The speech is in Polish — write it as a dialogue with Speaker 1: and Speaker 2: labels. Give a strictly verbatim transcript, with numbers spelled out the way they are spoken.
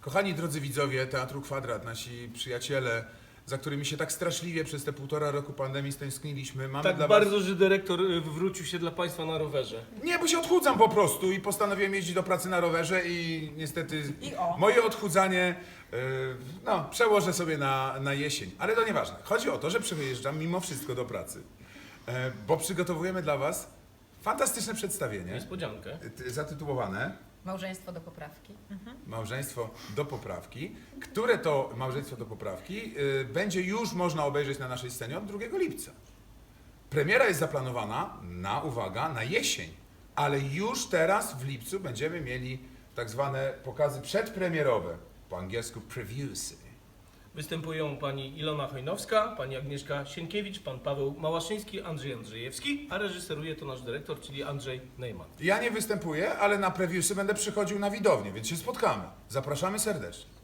Speaker 1: Kochani drodzy widzowie Teatru Kwadrat, nasi przyjaciele, za którymi się tak straszliwie przez te półtora roku pandemii stęskniliśmy, mamy
Speaker 2: Tak
Speaker 1: dla
Speaker 2: bardzo,
Speaker 1: was...
Speaker 2: że dyrektor y, wywrócił się dla Państwa na rowerze.
Speaker 1: Nie, bo się odchudzam po prostu i postanowiłem jeździć do pracy na rowerze i niestety
Speaker 3: I o.
Speaker 1: moje odchudzanie yy, no, przełożę sobie na, na jesień. Ale to nieważne. Chodzi o to, że przyjeżdżam mimo wszystko do pracy, e, bo przygotowujemy dla was fantastyczne przedstawienie
Speaker 2: Niespodziankę.
Speaker 1: y, zatytułowane
Speaker 3: Małżeństwo do poprawki.
Speaker 1: Małżeństwo do poprawki, które to małżeństwo do poprawki y, będzie już można obejrzeć na naszej scenie od drugiego lipca. Premiera jest zaplanowana na, uwaga, na jesień, ale już teraz w lipcu będziemy mieli tak zwane pokazy przedpremierowe, po angielsku previewsy.
Speaker 2: Występują pani Ilona Chojnowska, pani Agnieszka Sienkiewicz, pan Paweł Małaszyński, Andrzej Andrzejewski, a reżyseruje to nasz dyrektor, czyli Andrzej Neumann.
Speaker 1: Ja nie występuję, ale na previewsy będę przychodził na widownię, więc się spotkamy. Zapraszamy serdecznie.